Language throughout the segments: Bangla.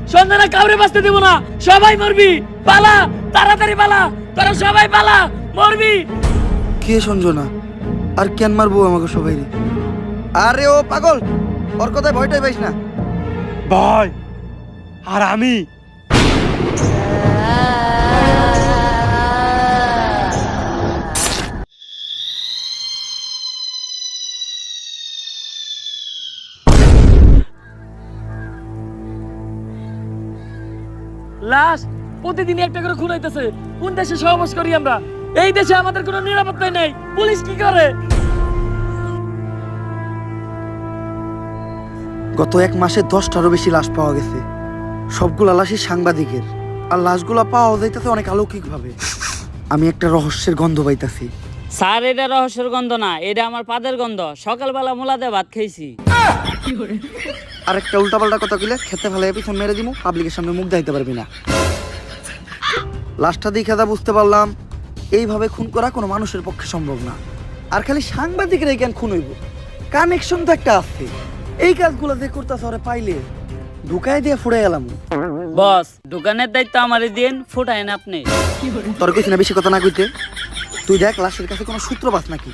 সঞ্জনা কাউরে বাঁচতে দেব না, সবাই মরবি। পালা, তাড়াতাড়ি পালা, তোরা সবাই পালা, মরবি। কে সঞ্জনা? আর কেন মারবো আমাকে সবাই? আরে ও পাগল, ওর কথায় ভয়টাই পাইস না। ভয় আর আমি লাশ প্রতিদিন একটা করে খুন হইতেছে। কোন দেশে সহবাস করি আমরা? এই দেশে আমাদের কোনো নিরাপত্তা নেই। পুলিশ কি করে? গত 1 মাসে 10টারও বেশি লাশ পাওয়া গেছে। সবগুলা লাশই সাংবাদিকের, আর লাশগুলা পাওয়া যাইতেছে অনেক অলৌকিক ভাবে। আমি একটা রহস্যের গন্ধ পাইতাছি। স্যার, এটা রহস্যের গন্ধ না, এটা আমার পাদের গন্ধ। সকালবেলা মোলাদে ভাত খাইছি। আর একটা উল্টাপাল্টা কথা কইলে খেতে ফেলে পিছন মেরে দিমু, পাবলিকের সামনে মুখ দেখাইতে পারবি না। লাশটা দেখে যা বুঝতে পারলাম, এইভাবে খুন করা কোনো মানুষের পক্ষে সম্ভব না। আর খালি সাংবাদিকের এই জ্ঞান খুন হইব, কানেকশন তো একটা আছে। এই কাজগুলো যে করতেছে ওরে পাইলে ঢুকাই দিয়ে ফুড়ে গেলাম। বস, দোকানের দায়িত্ব আমারই দিন, ফুটাইন আপনি। তোর কইছি না বেশি কথা না কইতে। তুই দেখ লাশের কাছে কোনো সূত্র পাস নাকি।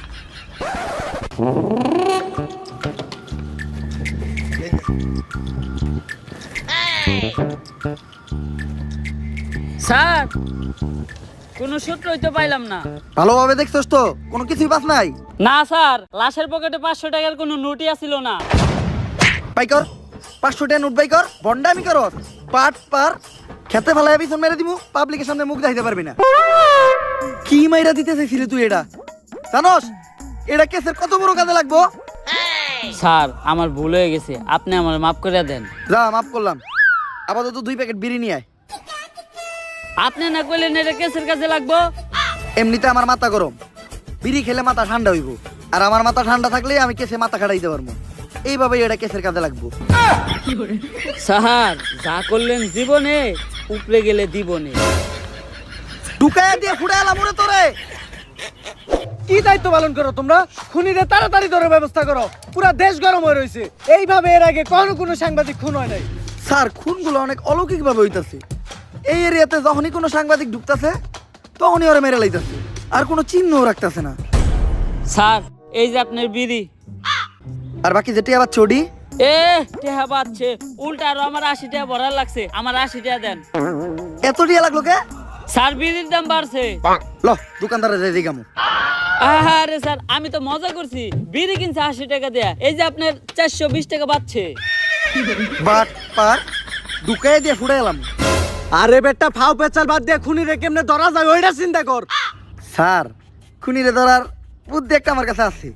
স্যার, কোনো সূত্রই তো পাইলাম না। ভালোভাবে দেখছস তো? কোনো কিছুই পাস নাই? না স্যার, লাশের পকেটে 500 টাকার কোনো নোটই আসিল না। বাই কর 500 টাকা নোট বাই কর। বন্ডামি কর, পাট পার খেতে ফেলায় পিছন মেরে দিমু, পাবলিকের সামনে মুখ দেখাইতে পারবি না। কি মাইরা দিতে চাইছিলি তুই? এটা জানোস এটা কেসের কত বড় কাজে লাগবো? স্যার, আমার ভুল হয়ে গেছে, আপনি আমার মাফ করে দেন। যা, মাফ করলাম। আপাতত 2 প্যাকেট বিড়ি নিয়ে আয়। আপনি না কইলেন এটা কেসের কাছে লাগবো? এমনিতে আমার মাথা গরম, বিড়ি খেলে মাথা ঠান্ডা হইব। আর আমার মাথা ঠান্ডা থাকলে আমি কেসে মাথা খাটাইতে পারবো। এইভাবেই এটা কেসের কাজে লাগবো। স্যার, যা করলেন জীবনে, উপরে গেলে দিবনে। ঢুকায় দিয়ে ফুড়ে এলাম ওরে তোরে। কি দায়িত্ব পালন করো তোমরা? খুনিদের তাড়াতাড়ি ধরে ব্যবস্থা করো, পুরো দেশ গরম হয়ে রয়েছে। এইভাবে এর আগে কোনো সাংবাদিক খুন হয় নাই। স্যার, খুনগুলো অনেক অলৌকিক ভাবে হইতাছে। এই এরিয়াতে যখনই কোনো সাংবাদিক ঢুকতাছে তখনই ওরা মেরে লাইতাছে, আর কোনো চিহ্নও রাখতাছে না। স্যার, এই যে আপনার বিড়ি। আর বাকি যেটি আবার চডি টেহা পাচ্ছে উল্টা, আরো আমার 80 টাকা ভরার লাগছে। আমার 80 টাকা দেন। এত টিয়া লাগলো কে? স্যার, বিড়ির দাম বাড়ছে। ল দোকানদারে যাই দিগামু। আরে স্যার, আমি তো মজা করছি। বিড়ি কিনছে 80 টাকা দেয়া, এই যে আপনার 420 টাকা বাড়ছে। বাট পার ঢুকায় দিয়ে ফুড়ে এলাম। আরে বেটা, ফাও পেচাল বাদ দিয়ে খুনিরে কেমনে ধরা যায় ওইটা চিন্তা কর। স্যার, খুনিরে ধরার বুদ্ধি একটা আমার কাছে আছে।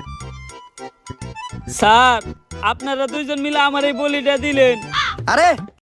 স্যার, আপনারা দুইজন মিলে আমার এই বলিটা দিলেন। আরে